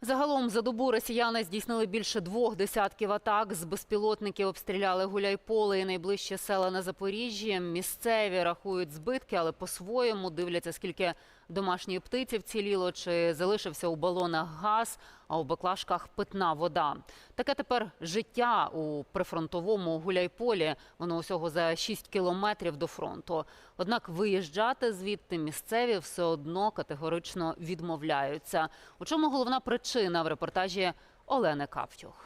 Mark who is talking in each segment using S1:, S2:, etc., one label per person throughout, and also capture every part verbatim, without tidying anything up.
S1: Загалом за добу росіяни здійснили більше двох десятків атак. З безпілотників обстріляли Гуляйполе і найближчі села на Запоріжжі. Місцеві рахують збитки, але по-своєму дивляться, скільки домашньої птиці вціліло, чи залишився у балонах газ, а у баклажках питна вода. Таке тепер життя у прифронтовому Гуляйполі. Воно усього за шість кілометрів до фронту. Однак виїжджати звідти місцеві все одно категорично відмовляються. У чому головна причина, в репортажі Олени Каптюх.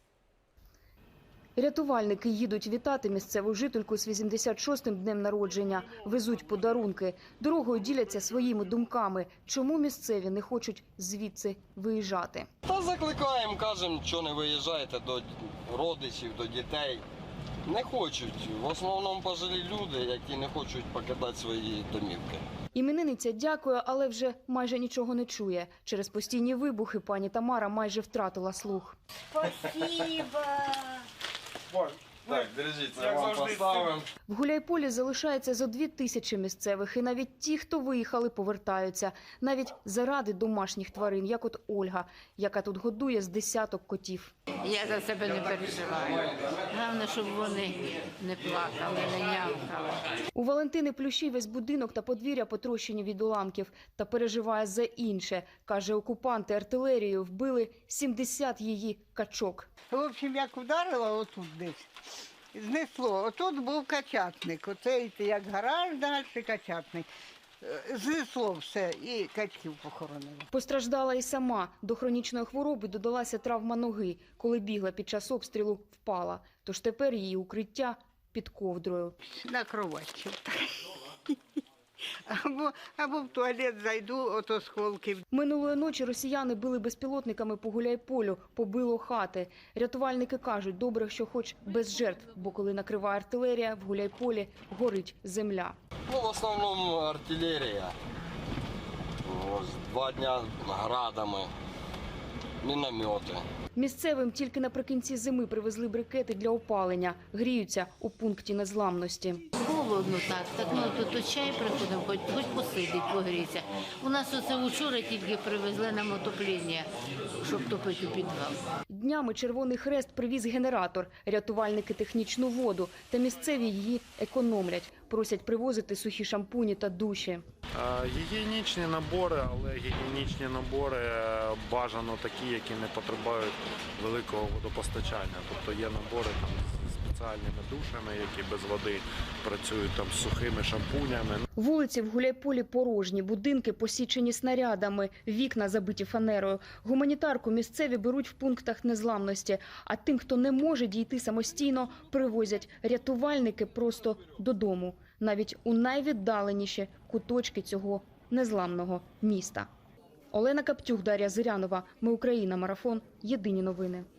S2: Рятувальники їдуть вітати місцеву жительку з вісімдесят шостим днем народження. Везуть подарунки. Дорогою діляться своїми думками. Чому місцеві не хочуть звідси виїжджати?
S3: Та закликаємо, кажемо, що не виїжджаєте до родичів, до дітей. Не хочуть. В основному пожилі люди, які не хочуть покидати свої домівки.
S2: Іменинниця дякує, але вже майже нічого не чує. Через постійні вибухи пані Тамара майже втратила слух.
S4: Спасибо!
S3: Так, держіть, це вам поставимо.
S2: В Гуляйполі залишається зо дві тисячі місцевих. І навіть ті, хто виїхали, повертаються. Навіть заради домашніх тварин, як от Ольга, яка тут годує з десяток котів.
S4: Я за себе не переживаю. Головне, щоб вони не плакали, не нявкали.
S2: У Валентини Плющій весь будинок та подвір'я потрощені від уламків. Та переживає за інше. Каже, окупанти артилерією вбили сімдесят її качок.
S5: В общем, як ударила отут десь, знесло. Отут був качатник. Оце як гараж, далі качатник. Знесло все і качків похоронили.
S2: Постраждала і сама. До хронічної хвороби додалася травма ноги. Коли бігла під час обстрілу, впала. Тож тепер її укриття під ковдрою.
S5: На кроватці. Або, або в туалет зайду, ото осколки.
S2: Минулої ночі росіяни били безпілотниками по Гуляйполю, побило хати. Рятувальники кажуть, добре, що хоч без жертв, бо коли накриває артилерія, в Гуляйполі горить земля.
S3: Ну, в основному артилерія. Ось два дня градами, міномети.
S2: Місцевим тільки наприкінці зими привезли брикети для опалення. Гріються у пункті незламності.
S4: Холодно так, так ну тут, тут чай приходимо, хоч, хоч посидить, погріться. У нас оце вчора тільки привезли нам отоплення, щоб топити у підвал.
S2: Днями Червоний Хрест привіз генератор, рятувальники технічну воду, та місцеві її економлять. Просять привозити сухі шампуні та душі.
S6: Гігієнічні набори, але гігієнічні набори бажано такі, які не потребують великого водопостачання. Тобто є набори там з спеціальними душами, які без води працюють там з сухими шампунями.
S2: Вулиці в Гуляйполі порожні, будинки посічені снарядами, вікна забиті фанерою. Гуманітарку місцеві беруть в пунктах незламності, а тим, хто не може дійти самостійно, привозять рятувальники просто додому, навіть у найвіддаленіші куточки цього незламного міста. Олена Каптюх, Дар'я Зирянова. Ми Україна. Марафон. Єдині новини.